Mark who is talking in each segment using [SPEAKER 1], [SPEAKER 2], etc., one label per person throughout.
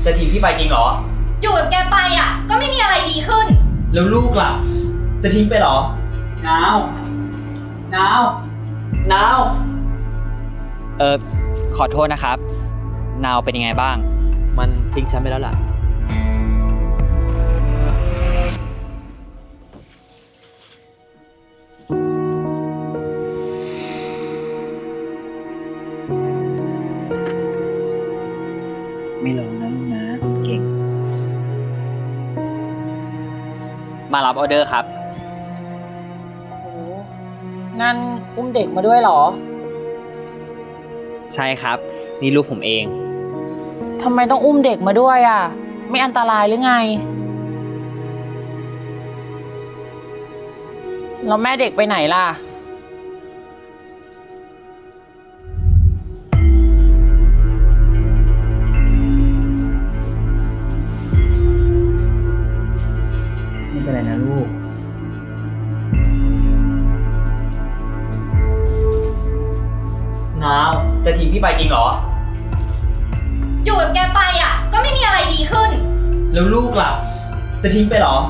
[SPEAKER 1] จะทิ้งพี่ไปจริงเหรอ
[SPEAKER 2] อยู่กับแกไปอ่ะก็ไม่มีอะไรดีขึ้น
[SPEAKER 1] แล้วลูกล่ะจะทิ้งไปเหรอ นาว นาว นาว
[SPEAKER 3] ขอโทษนะครับ นาวเป็นยังไงบ้าง
[SPEAKER 1] มันทิ้งฉันไปแล้วล่ะไม่ร้องนะลูกนะเก่ง
[SPEAKER 3] มารับออเดอร์ครับ
[SPEAKER 4] โอ้นั่นอุ้มเด็กมาด้วยเหรอ
[SPEAKER 3] ใช่ครับ นี่ลูกผมเอง
[SPEAKER 4] ทำไมต้องอุ้มเด็กมาด้วยอ่ะ ไม่อันตรายหรือไง แล้วแม่เด็กไปไหนล่ะ
[SPEAKER 1] ไม่เป็นไรนะลูกนาวจะทิ้งพี่ไปจริงเหรอ
[SPEAKER 2] อยู่กับแกไปอ่ะก็ไม่มีอะไรดีขึ้น
[SPEAKER 1] แล้วลูกล่ะจะทิ้งไปเหรอ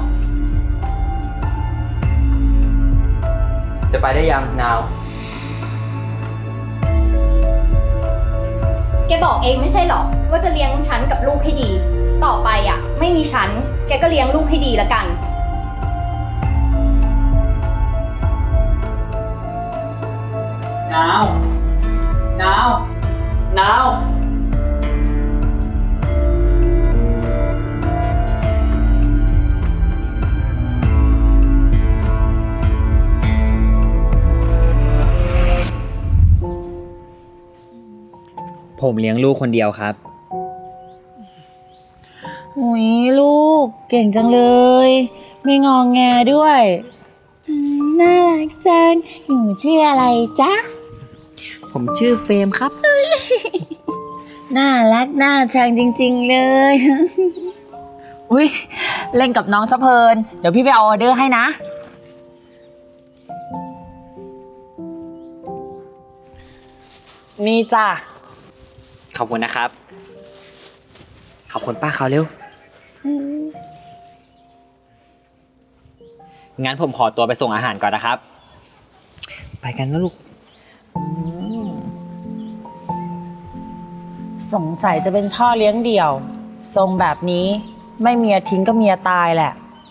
[SPEAKER 1] จะไปได้ยังนาว
[SPEAKER 2] แกบอกเองไม่ใช่หรอว่าจะเลี้ยงฉันกับลูกให้ดี ต่อไปอ่ะไม่มีฉันแกก็เลี้ยงลูกให้ดีละกัน
[SPEAKER 1] นาว นาว นาว
[SPEAKER 3] ผมเลี้ยงลูกคนเดียวครับ
[SPEAKER 4] หุยลูกเก่งจังเลย ไม่งองแงด้วยน่ารักจังหนูชื่ออะไรจ๊ะ
[SPEAKER 3] ผมชื่อเฟรมครับ
[SPEAKER 4] น่ารักน่าชังจริงๆเลย อุ้ยเล่นกับน้องซะเพลิน เดี๋ยวพี่ไปเอาออเดอร์ให้นะ นี่จ้ะ
[SPEAKER 3] ขอบคุณนะครับ ขอบคุณป้าเขาเร็ว งั้นผมขอตัวไปส่งอาหารก่อนนะครับ ไปกันแล้วลูก
[SPEAKER 4] สงสัยจะเป็นพ่อเลี้ยงเดี่ยว ทรงแบบนี้ไม่เมียทิ้งก็เมียตายแหละ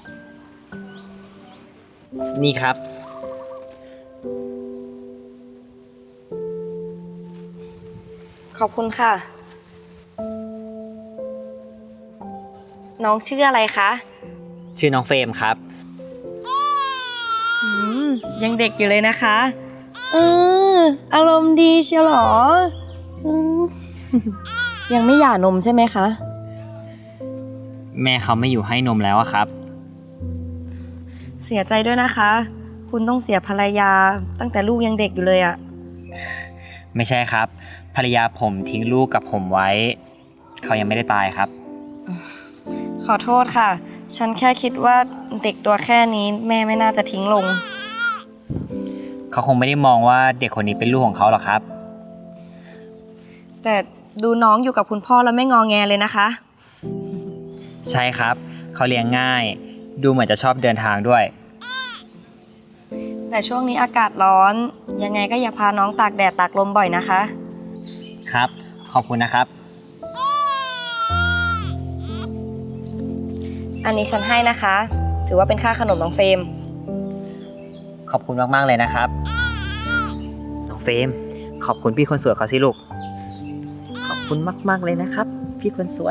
[SPEAKER 3] นี่ครับ
[SPEAKER 5] ขอบคุณค่ะ น้องชื่ออะไรคะ
[SPEAKER 3] ชื่อน้องเฟรมครับ
[SPEAKER 5] ยังเด็กอยู่เลยนะคะอารมณ์ดีเชียวหรอยังไม่หย่านมใช่ไหมคะ
[SPEAKER 3] แม่เขาไม่อยู่ให้นมแล้วอะครับ
[SPEAKER 5] เสียใจด้วยนะคะ คุณต้องเสียภรรยาตั้งแต่ลูกยังเด็กอยู่เลยอะ
[SPEAKER 3] ไม่ใช่ครับ ภรรยาผมทิ้งลูกกับผมไว้ เขายังไม่ได้ตายครับ
[SPEAKER 5] ขอโทษค่ะ ฉันแค่คิดว่าเด็กตัวแค่นี้แม่ไม่น่าจะทิ้งลง
[SPEAKER 3] เขาคงไม่ได้มองว่าเด็กคนนี้เป็นลูกของเขาหรอกครับ
[SPEAKER 5] แต่ดูน้องอยู่กับคุณพ่อแล้วไม่งอแงเลยนะคะ
[SPEAKER 3] ใช่ครับ เขาเลี้ยงง่าย ดูเหมือนจะชอบเดินทางด้วย
[SPEAKER 5] แต่ช่วงนี้อากาศร้อน ยังไงก็อย่าพาน้องตากแดดตากลมบ่อยนะคะ
[SPEAKER 3] ครับ ขอบคุณนะครับ
[SPEAKER 5] อันนี้ฉันให้นะคะ ถือว่าเป็นค่าขนมน้องเฟรม
[SPEAKER 3] ขอบคุณมากๆเลยนะครับ น้องเฟรม ขอบคุณพี่คนสวยเขาสิลูก ขอบคุณมากๆเลยนะครับ พี่คนสวย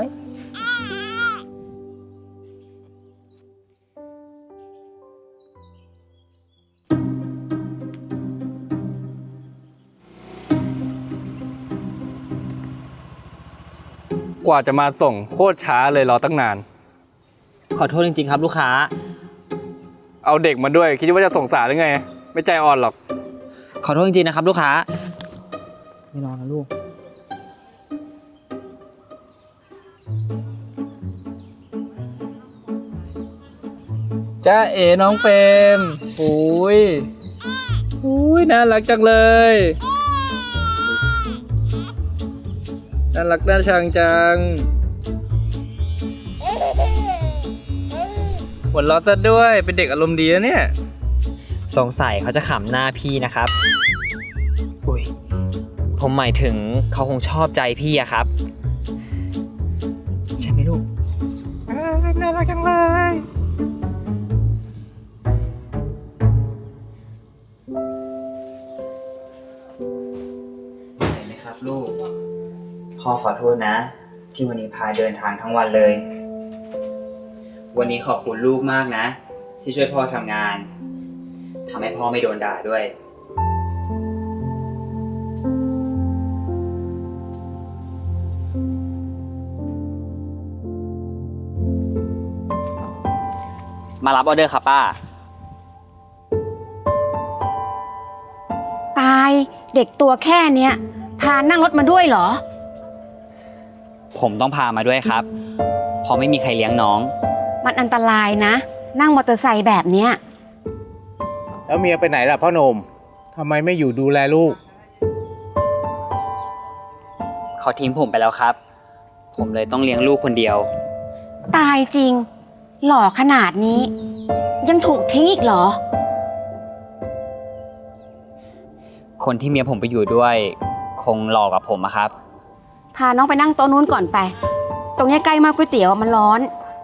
[SPEAKER 6] กว่าจะมาส่งโคตรช้าเลยรอตั้งนาน
[SPEAKER 3] ขอโทษจริงๆครับลูกค้า
[SPEAKER 6] เอาเด็กมาด้วยคิดว่าจะส่งสารหรือไง ไม่ใจอ่อนหรอก
[SPEAKER 3] ขอโทษจริงๆนะครับลูกค้า ไม่รอนะลูก
[SPEAKER 6] จ้าเอ๋น้องเฟรมอุ้ยน่ารักจังเลย น่ารักน่าชังจังหัวเราะซะด้วยเป็นเด็กอารมณ์ดีนะเนี่ย
[SPEAKER 3] สงสัยเขาจะขำหน้าพี่นะครับอุ้ยผมหมายถึงเขาคงชอบใจพี่อะครับ ใช่ไหมลูก
[SPEAKER 6] น่ารักจังเลย
[SPEAKER 3] เห็นไหมครับลูก พ่อขอโทษนะ ที่วันนี้พาเดินทางทั้งวันเลย วันนี้ขอบคุณลูกมากนะ ที่ช่วยพ่อทำงานทำให้พ่อไม่โดนด่าด้วย มารับออเดอร์ครับป้า
[SPEAKER 7] ตายเด็กตัวแค่เนี้ยพานั่งรถมาด้วยเหรอ
[SPEAKER 3] ผมต้องพามาด้วยครับเพราะไม่มีใครเลี้ยงน้อง
[SPEAKER 7] มันอันตรายนะ นั่งมอเตอร์ไซค์แบบเนี้ย
[SPEAKER 8] แล้วเมียไปไหนล่ะพ่อหนุ่มทำไมไม่อยู่ดูแลลูก
[SPEAKER 3] เขาทิ้งผมไปแล้วครับ ผมเลยต้องเลี้ยงลูกคนเดียว
[SPEAKER 7] ตายจริง หล่อขนาดนี้ ยังถูกทิ้งอีกเหรอ
[SPEAKER 3] คนที่เมียผมไปอยู่ด้วย คงหลอกกับผมอะครับ
[SPEAKER 7] พาน้องไปนั่งโต๊ะนู้นก่อนไป ตรงเนี้ยใกล้มากก๋วยเตี๋ยวมันร้อน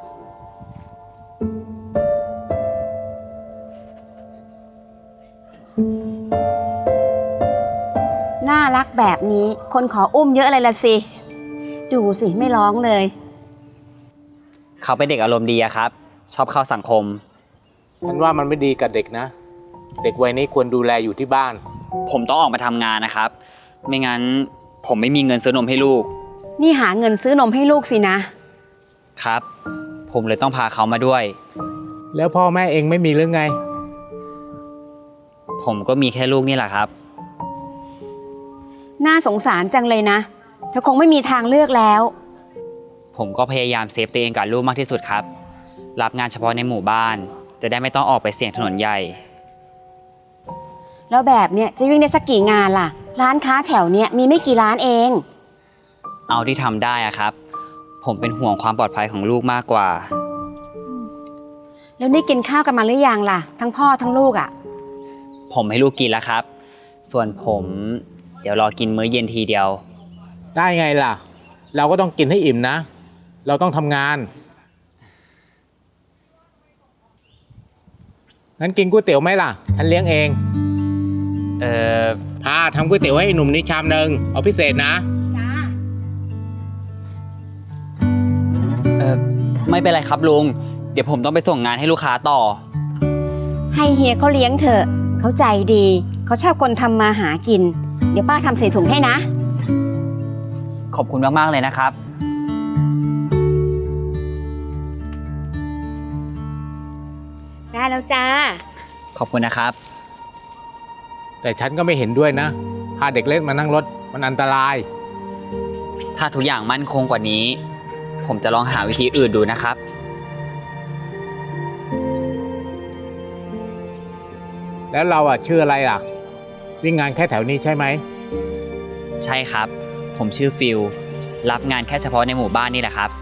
[SPEAKER 7] น่ารักแบบนี้คนขออุ้มเยอะเลยละสิ ดูสิไม่ร้องเลย
[SPEAKER 3] เขาเป็นเด็กอารมณ์ดีอะครับ ชอบเข้าสังคม
[SPEAKER 8] ฉันว่ามันไม่ดีกับเด็กนะ เด็กวัยนี้ควรดูแลอยู่ที่บ้าน
[SPEAKER 3] ผมต้องออกมาทำงานนะครับ ไม่งั้นผมไม่มีเงินซื้อนมให้ลูก
[SPEAKER 7] นี่หาเงินซื้อนมให้ลูกสินะ
[SPEAKER 3] ครับ ผมเลยต้องพาเขามาด้วย
[SPEAKER 8] แล้วพ่อแม่เองไม่มีหรือไง
[SPEAKER 3] ผมก็มีแค่ลูกนี่แหละครับ
[SPEAKER 7] น่าสงสารจังเลยนะเธอคงไม่มีทางเลือกแล้ว
[SPEAKER 3] ผมก็พยายามเซฟตัวเองกับลูกมากที่สุดครับ รับงานเฉพาะในหมู่บ้าน จะได้ไม่ต้องออกไปเสี่ยงถนนใหญ่
[SPEAKER 7] แล้วแบบเนี้ยจะวิ่งได้สักกี่งานล่ะ ร้านค้าแถวเนี้ยมีไม่กี่ร้านเอง
[SPEAKER 3] เอาที่ทำได้อะครับ ผมเป็นห่วงความปลอดภัยของลูกมากกว่า
[SPEAKER 7] แล้วนี่กินข้าวกันมาหรือยังล่ะ ทั้งพ่อทั้งลูกอ่ะ
[SPEAKER 3] ผมให้ลูกกินแล้วครับ ส่วนผมเดี๋ยวรอกินมื้อเย็นทีเดียว
[SPEAKER 8] ได้ไงล่ะ เราก็ต้องกินให้อิ่มนะ เราต้องทำงาน งั้นกินก๋วยเตี๋ยวไหมล่ะ ฉันเลี้ยงเอง
[SPEAKER 3] เออ
[SPEAKER 8] ทำก๋วยเตี๋ยวให้หนุ่มนี่ชามนึง เอาพิเศษนะ
[SPEAKER 3] ไม่เป็นไรครับลุง เดี๋ยวผมต้องไปส่งงานให้ลูกค้าต่อ
[SPEAKER 7] ให้เฮียเขาเลี้ยงเถอะเขาใจดี เขาชอบคนทำมาหากิน เดี๋ยวป้าทำใส่ถุงให้นะ
[SPEAKER 3] ขอบคุณมากๆเลยนะครับ
[SPEAKER 7] ได้แล้วจ้า
[SPEAKER 3] ขอบคุณนะครับ
[SPEAKER 8] แต่ฉันก็ไม่เห็นด้วยนะ พาเด็กเล็กมานั่งรถมันอันตราย
[SPEAKER 3] ถ้าทุกอย่างมั่นคงกว่านี้ ผมจะลองหาวิธีอื่นดูนะครับ
[SPEAKER 8] แล้วเราชื่ออะไรล่ะ วิ่งงานแค่แถวนี้ใช่ไหม
[SPEAKER 3] ใช่ครับ ผมชื่อฟิล รับงานแค่เฉพาะในหมู่บ้านนี่แหละครับ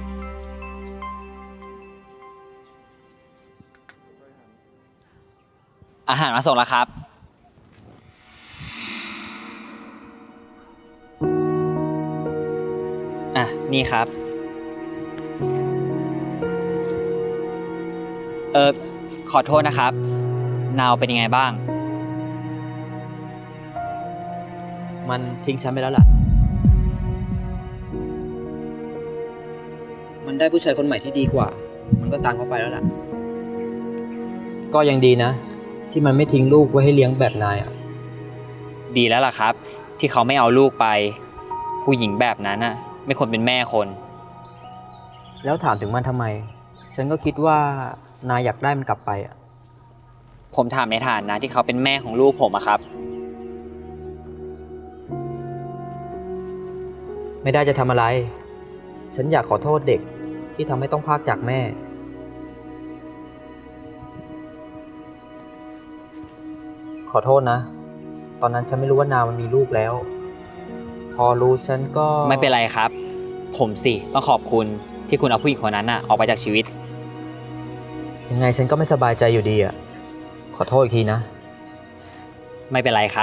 [SPEAKER 3] อาหารมาส่งแล้วครับ อ่ะ นี่ครับ ขอโทษนะครับ นาวเป็นยังไงบ้าง
[SPEAKER 9] มันทิ้งฉันไปแล้วล่ะ มันได้ผู้ชายคนใหม่ที่ดีกว่า มันก็ตามเขาไปแล้วล่ะ ก็ยังดีนะ ที่มันไม่ทิ้งลูกไว้ให้เลี้ยงแบบนายอ่ะ
[SPEAKER 3] ดีแล้วล่ะครับ ที่เขาไม่เอาลูกไป ผู้หญิงแบบนั้นน่ะ ไม่ควรเป็นแม่คน
[SPEAKER 9] แล้วถามถึงมันทำไม ฉันก็คิดว่านายอยากได้มันกลับไปอ่ะ
[SPEAKER 3] ผมถามในฐานะที่เขาเป็นแม่ของลูกผมอะครับ
[SPEAKER 9] ไม่ได้จะทำอะไร ฉันอยากขอโทษเด็กที่ทำให้ต้องพรากจากแม่ ขอโทษนะ ตอนนั้นฉันไม่รู้ว่านามันมีลูกแล้ว พอรู้ฉันก็
[SPEAKER 3] ไม่เป็นไรครับ ผผมสิต้องขอบคุณที่คุณเอาผู้หญิงคนนั้นน่ะออกไปจากชีวิต
[SPEAKER 9] ยังไงฉันก็ไม่สบายใจอยู่ดีอ่ะ ขอโทษอีกทีนะ
[SPEAKER 3] ไม่เป็นไรครับ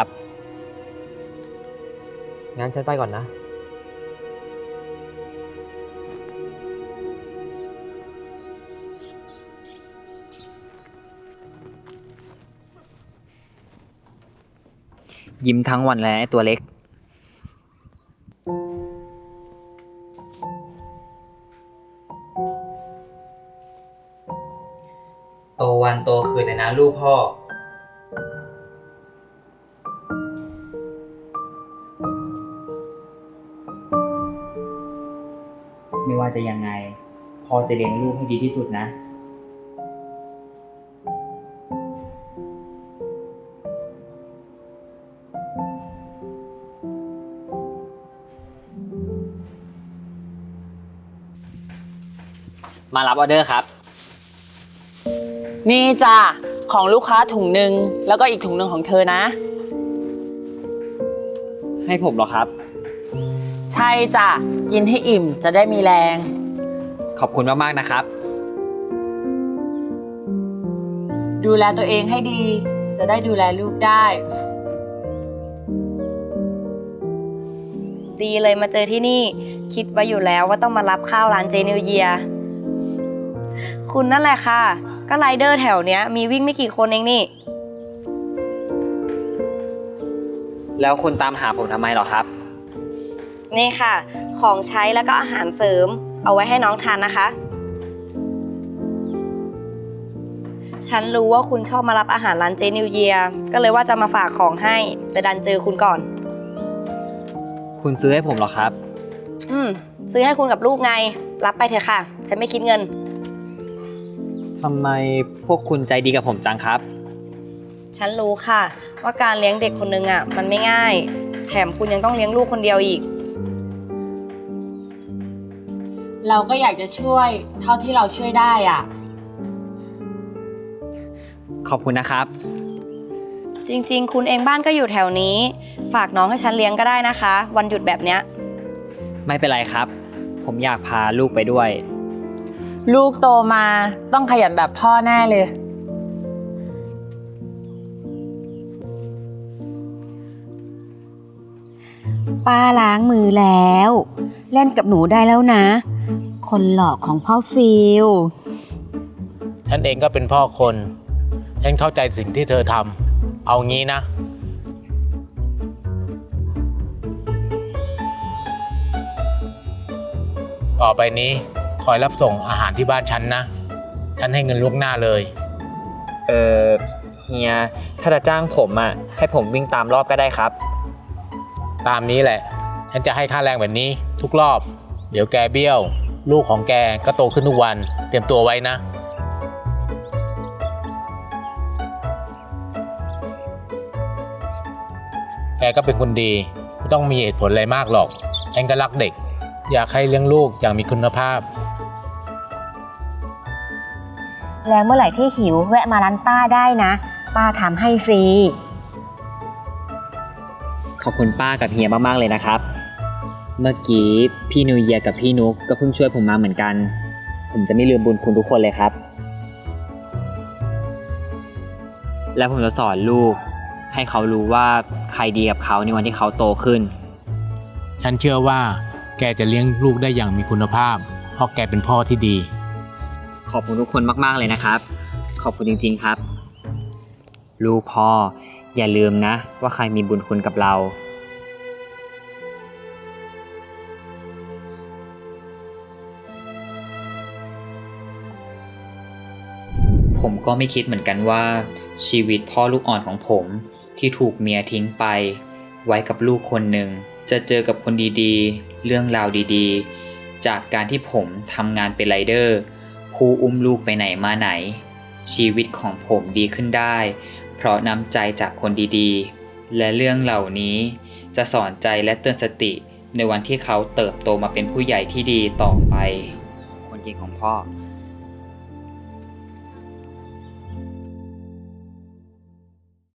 [SPEAKER 9] งั้นฉันไปก่อนนะ
[SPEAKER 3] ยิ้มทั้งวันแล้วไอ้ตัวเล็ก โตวันโตคืนเลยนะลูกพ่อ ไม่ว่าจะยังไงพ่อจะเลี้ยงลูกให้ดีที่สุดนะ มารับออเดอร์ครับ
[SPEAKER 4] นี่จ้ะของลูกค้าถุงหนึ่งแล้วก็อีกถุงหนึ่งของเธอนะ
[SPEAKER 3] ให้ผมเหรอครับ
[SPEAKER 4] ใช่จ้ะกินให้อิ่มจะได้มีแรง
[SPEAKER 3] ขอบคุณมากๆนะครับ
[SPEAKER 4] ดูแลตัวเองให้ดี จะได้ดูแลลูกได้
[SPEAKER 5] ดีเลยมาเจอที่นี่ คิดไว้อยู่แล้วว่าต้องมารับข้าวร้านเจนิวเยีย คุณนั่นแหละค่ะ ก็ไรเดอร์แถวเนี้ยมีวิ่งไม่กี่คนเองนี่
[SPEAKER 3] แล้วคุณตามหาผมทำไมเหรอครับ
[SPEAKER 5] นี่ค่ะ ของใช้แล้วก็อาหารเสริม เอาไว้ให้น้องทานนะคะ ฉันรู้ว่าคุณชอบมารับอาหารร้านเจนิวเยีย ก็เลยว่าจะมาฝากของให้ แต่ดันเจอคุณก่อน
[SPEAKER 3] คุณซื้อให้ผมเหรอครับ
[SPEAKER 5] ซื้อให้คุณกับลูกไง รับไปเถอะค่ะ ฉันไม่คิดเงิน
[SPEAKER 3] ทำไมพวกคุณใจดีกับผมจังครับ
[SPEAKER 5] ฉันรู้ค่ะ ว่าการเลี้ยงเด็กคนนึงอ่ะมันไม่ง่าย แถมคุณยังต้องเลี้ยงลูกคนเดียวอีก
[SPEAKER 4] เราก็อยากจะช่วยเท่าที่เราช่วยได้อ่ะ
[SPEAKER 3] ขอบคุณนะครับ
[SPEAKER 5] จริงๆ คุณเองบ้านก็อยู่แถวนี้ ฝากน้องให้ฉันเลี้ยงก็ได้นะคะ วันหยุดแบบเนี้ย
[SPEAKER 3] ไม่เป็นไรครับ ผมอยากพาลูกไปด้วย
[SPEAKER 4] ลูกโตมาต้องขยันแบบพ่อแน่เลย
[SPEAKER 7] ป้าล้างมือแล้ว เล่นกับหนูได้แล้วนะ คนหลอกของพ่อฟิล
[SPEAKER 8] ฉันเองก็เป็นพ่อคน ฉันเข้าใจสิ่งที่เธอทำ เอางี้นะ ต่อไปนี้คอยรับส่งอาหารที่บ้านฉันนะ ฉันให้เงินล่วงหน้าเลย
[SPEAKER 3] เฮีย ถ้าจะจ้างผมอ่ะ ให้ผมวิ่งตามรอบก็ได้ครับ
[SPEAKER 8] ตามนี้แหละ ฉันจะให้ค่าแรงแบบนี้ทุกรอบ เดี๋ยวแกเบี้ยว ลูกของแกก็โตขึ้นทุกวัน เตรียมตัวไว้นะ แกก็เป็นคนดี ไม่ต้องมีเหตุผลอะไรมากหรอก ฉันก็รักเด็ก อยากให้เลี้ยงลูกอย่างมีคุณภาพ
[SPEAKER 7] แล้วเมื่อไหร่ที่หิวแวะมาร้านป้าได้นะ ป้าทำให้ฟรี
[SPEAKER 3] ขอบคุณป้ากับเฮียมากๆเลยนะครับ เมื่อกี้พี่นิวเยียกับพี่นุกก็เพิ่งช่วยผมมาเหมือนกัน ผมจะไม่ลืมบุญคุณทุกคนเลยครับ และผมจะสอนลูกให้เขารู้ว่าใครดีกับเขาในวันที่เขาโตขึ้น
[SPEAKER 8] ฉันเชื่อว่าแกจะเลี้ยงลูกได้อย่างมีคุณภาพ เพราะแกเป็นพ่อที่ดี
[SPEAKER 3] ขอบคุณทุกคนมากๆเลยนะครับ ขอบคุณจริงๆครับ ลูกพ่ออย่าลืมนะว่าใครมีบุญคุณกับเรา ผมก็ไม่คิดเหมือนกันว่าชีวิตพ่อลูกอ่อนของผมที่ถูกเมียทิ้งไป ไว้กับลูกคนหนึ่งจะเจอกับคนดีๆ เรื่องราวดีๆ จากการที่ผมทำงานเป็นไรเดอร์ผู้อุ้มลูกไปไหนมาไหน ชีวิตของผมดีขึ้นได้ เพราะน้ำใจจากคนดีๆ และเรื่องเหล่านี้จะสอนใจและเตือนสติในวันที่เขาเติบโตมาเป็นผู้ใหญ่ที่ดีต่อไป คนจริงของพ่อ